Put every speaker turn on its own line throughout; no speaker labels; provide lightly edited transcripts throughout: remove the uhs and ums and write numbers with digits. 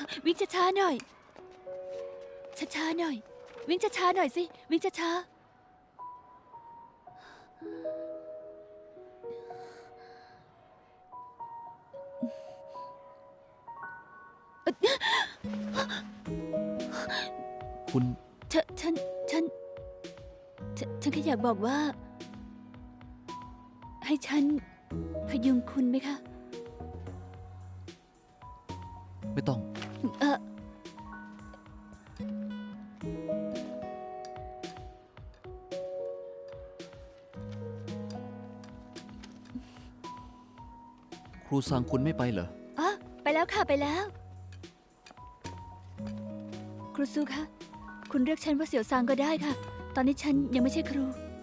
วิ่งช้าๆหน่อยช้าๆหน่อยวิ่งช้าๆหน่อยสิวิ่งช้า
คุณ
ๆฉันแค่อยากบอกว่า ให้ฉันพยุงคุณไหมคะ
ไม่ต้อง
เออ
ครูซังคุณไม่ไปเหรอ
อ๋อไปแล้วค่ะไปแล้ว ครูซูคะคุณเรียกฉันว่าเสี่ยวซางก็ได้ค่ะ ตอนนี้ฉันยังไม่ใช่ครู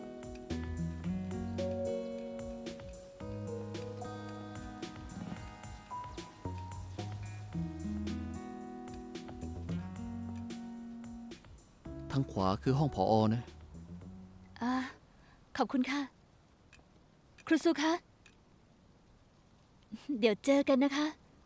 ทางขวาคือห้องผอนะ
อ่าขอบคุณค่ะ ครูซูคะ เดี๋ยวเจอกันนะคะ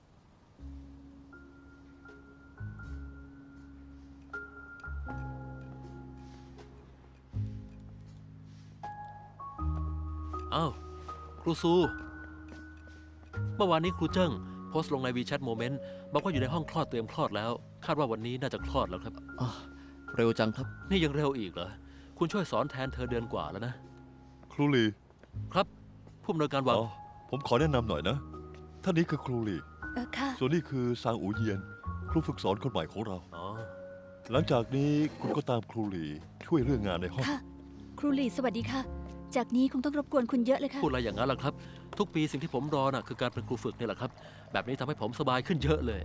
อ้าวครูซูเมื่อวานนี้ครูเจิ้งโพสต์ลงในวีแชทโมเมนต์บอกว่าอยู่ในห้องคลอดเตรียมคลอดแล้ว คาดว่าวันนี้น่าจะคลอดแล้วครับ
อ่ะ เร็วจังครับ
นี่ยังเร็วอีกเหรอ คุณช่วยสอนแทนเธอเดือนกว่าแล้วนะ
ครูหลี
ครับ ผู้อำนวยการวัง
อ๋อผมขอแนะนำหน่อยนะ ท่านนี้คือครูหลี
ค่ะ
ส่วนนี้คือซางอูเยียน ครูฝึกสอนคนใหม่ของเรา
อ๋อ
หลังจากนี้คุณก็ตามครูหลีช่วยเรื่องงานในห้อง
ค่ะ ครูหลีสวัสดีค่ะ จากนี้คงต้องรบกวนคุณเยอะเลยค่ะ
พูดอะไรอย่างนั้นล่ะครับ ทุกปีสิ่งที่ผมรอน่ะคือการเป็นครูฝึกนี่แหละครับ แบบนี้ทำให้ผมสบายขึ้นเยอะเลย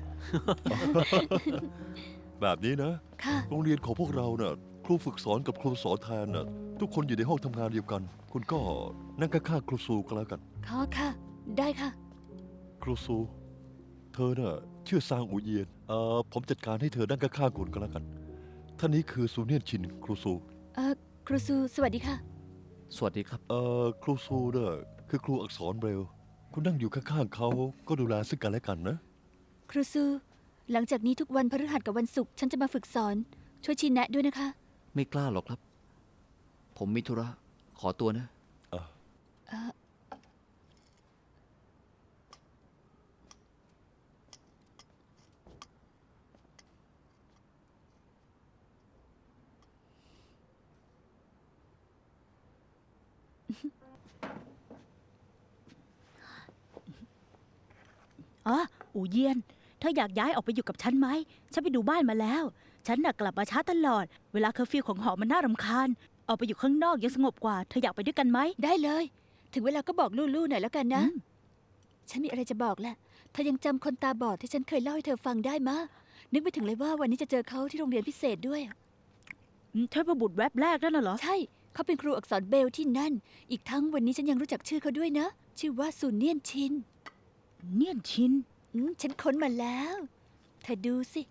แบบนี้นะ
ค่ะ
โรงเรียนของพวกเราเน่ะครูฝึกสอนกับครูสอนแทนน่ะทุกคนอยู่ในห้องทำงานเดียวกัน คุณก็นั่งข้างๆครูซูก็แล้วกัน
ค่ะ ได้ค่ะ
ครูซู เธอน่ะชื่อซางอูเยียน ผมจัดการให้เธอนั่งข้างๆคุณก็แล้วกัน ท่านนี้คือซูเนียนชินครูซู
ครูซูสวัสดีค่ะ
สวัสดีครับ
ครูซูเนี่ยคือครูอักษรเบรลล์คุณนั่งอยู่ข้างๆเขาก็ดูแลซึ่งกันและกันนะ
ครูซูหลังจากนี้ทุกวันพฤหัสกับวันศุกร์ฉันจะมาฝึกสอน ช่วยชี้แนะด้วยนะคะ
ไม่กล้าหรอกครับ ผมมีธุระ ขอตัวนะ
อ๋ออูเยียน เธออยากย้ายออกไปอยู่กับฉันไหม ฉันไปดูบ้านมาแล้ว ฉันน่ะกลับมาช้าตลอด เวลาเคอร์ฟิวของหอมันน่ารำคาญ ออกไปอยู่ข้างนอกยังสงบกว่า เธออยากไปด้วยกันไหม
ได้เลย ถึงเวลาก็บอกลู่ๆหน่อยแล้วกันนะ
อืม
ฉันมีอะไรจะบอกแหละ เธอยังจำคนตาบอดที่ฉันเคยเล่าให้เธอฟังได้มะ นึกไปถึงเลยว่าวันนี้จะเจอเขาที่โรงเรียนพิเศษด้วย
เทพบุตรแวบแรกนั่นน่ะเหรอ
ใช่ เขาเป็นครูอักษรเบลที่นั่น อีกทั้งวันนี้ฉันยังรู้จักชื่อเขาด้วยนะ ชื่อว่าซูเนียนชิน
เนียนชิน
ฉันค้นมาแล้ว เธอดูสิ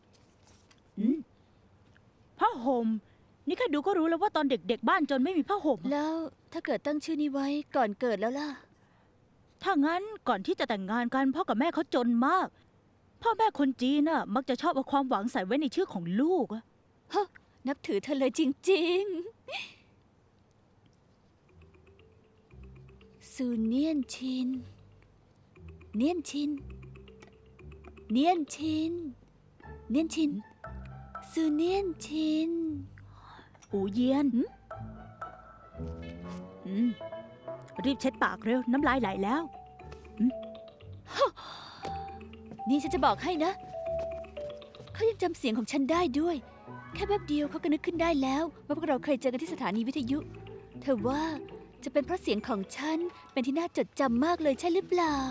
ผ้าห่ม นี่แค่ดูก็รู้แล้วว่าตอนเด็กๆบ้านจนไม่มีผ้าห่ม
แล้วถ้าเกิดตั้งชื่อนี้ไว้ก่อนเกิดแล้วล่ะ
ถ้างั้นก่อนที่จะแต่งงานกันพ่อกับแม่เขาจนมาก พ่อแม่คนจีนน่ะมักจะชอบเอาความหวังใส่ไว้ในชื่อของลูกอะ
นับถือเธอเลยจริงๆ ซูเนียนชิน เนียนชิน เนียนชิน เนียนชิน ซูเนียนชิน
อูเยียนรีบเช็ดปากเร็ว น้ำลายไหลแล้ว
นี่ฉันจะบอกให้นะ เขายังจำเสียงของฉันได้ด้วย แค่แป๊บเดียวเขาก็นึกขึ้นได้แล้วว่าพวกเราเคยเจอกันที่สถานีวิทยุ เธอว่าจะเป็นเพราะเสียงของฉันเป็นที่น่าจดจำมากเลยใช่หรือเปล่า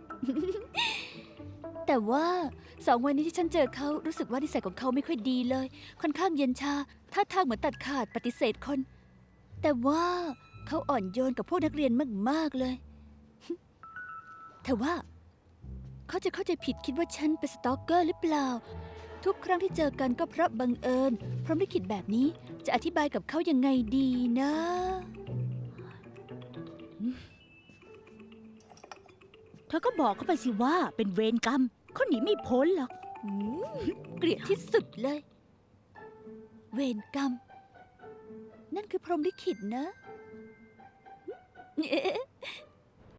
แต่ว่า2 วันนี้ที่ฉันเจอเขารู้สึกว่านิสัยของเขาไม่ค่อยดีเลย ค่อนข้างเย็นชาท่าทางเหมือนตัดขาดปฏิเสธคน แต่ว่าเขาอ่อนโยนกับพวกนักเรียนมากๆเลย แต่ว่า เขาจะเข้าใจผิดคิดว่าฉันเป็นสตอกเกอร์หรือเปล่า ทุกครั้งที่เจอกันก็เพราะบังเอิญพร้อมลิขิตแบบนี้จะอธิบายกับเขายังไงดีนะ
เธอก็บอกเขาไปสิว่าเป็นเวรกรรมเขาหนีไม่พ้นหรอก
อืมเกลียดที่สุดเลย เวรกรรม นั่นคือพรหมลิขิตนะเอ๊ะ